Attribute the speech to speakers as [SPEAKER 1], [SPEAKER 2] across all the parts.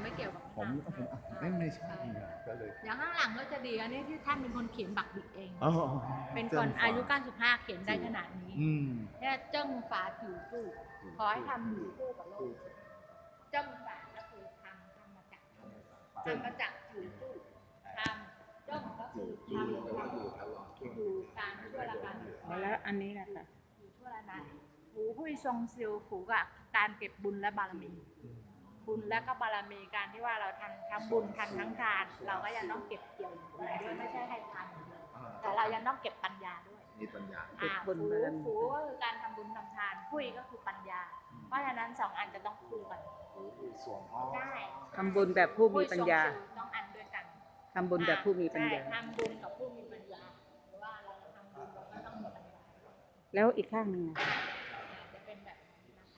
[SPEAKER 1] ไม่เกี่ยวกับ
[SPEAKER 2] ผมไม่ใช่ก็เลย
[SPEAKER 1] อย่างข้างหลังก็จะดีอันนี้ที่ท่านเป็นคนเขียนบักบิกเอง
[SPEAKER 2] อ๋อ
[SPEAKER 1] เป็นคนอายุ95เขียนได้ขนาดนี้
[SPEAKER 2] อืม
[SPEAKER 1] เนี่ยเจิ้งฝาผิวจู้ขอให้ทำอยู่คู่กับโลกเจิ้งฝาก็คือทำมาจากผิวจู้ทำเจิ้งก็คือทำอยู่การช่วยละกัน
[SPEAKER 3] แล้วอันนี้แหละค่ะ
[SPEAKER 1] อยู่ช่วยละนายหูหุ้ยทรงซิลผูกับการเก็บบุญและบารมี บุญและก็บารมีการที่ว่าเราทำทั้งบุญทำทั้งทาน เราก็ยังต้องเก็บเกี่ยวบุญด้วยไม่ใช่ให้ทานอย่างเดียวแต่เรายังต้องเก็บปัญญาด้วย
[SPEAKER 2] มีปัญญา
[SPEAKER 3] เก็บบุญบารมี
[SPEAKER 1] หูก็คือการทำบุญทำทานหุ้ยก็คือปัญญา เพราะฉะนั้นสองอันจะต้องคู่กัน
[SPEAKER 2] ส่วนอ๋อ
[SPEAKER 1] ได้
[SPEAKER 3] ทำบุญแบบผู้มีปัญญา
[SPEAKER 1] หุ้ยทรงซิลต้องอันด้วยกัน
[SPEAKER 3] ทำบุญแบบผู้มีปัญญา
[SPEAKER 1] ใช่ทำบุญกับผู้มีปัญญาหรือว่าเราทำบุญเราก็ต้องมีปัญญา
[SPEAKER 3] แล้วอีกข้างหนึ่งอะ
[SPEAKER 1] จะเป็นแบบนี้นะคะ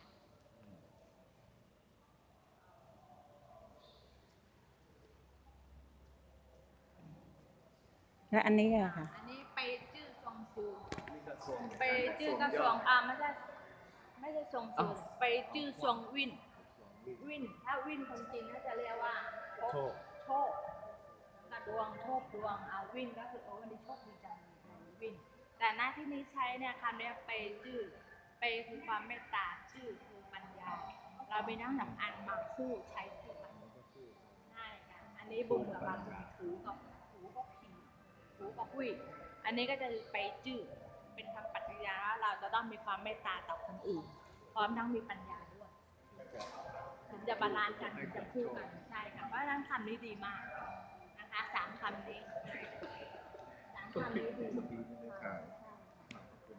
[SPEAKER 3] แล้วอันนี้อะค่ะ
[SPEAKER 1] อันนี้ไปจื้อทรงซิลไปจื้อกระทรวงไม่ใช่ทรงซิลไปจื้อทรงวินถ้าวินคนจีนก็จะเรียกว่าโชคกระดวงโชคดวงเอาวินก็คือวันนี้โชคดีจังเลยวินแต่หน้าที่นี้ใช้เนี่ยคำนี้ไปจื้อไปคือความเมตตาจื้อคือปัญญาเราไปนั่งหนังอันมาคู่ใช้คู่กันใช่ค่ะอันนี้บุญกับบารมีถูกับผีถูกับหุ้ยอันนี้ก็จะไปจื้อเป็นคำปฏิญาณว่าเราจะต้องมีความเมตตาต่อคนอื่นพร้อมทั้งมีปัญญาด้วยถึงจะบาลานซ์กันถึงจะคู่กันใช่ค่ะเพราะฉะนั้นคำนี้ดีมากนะคะ3 คำนี้3 คำนี้ดีมาก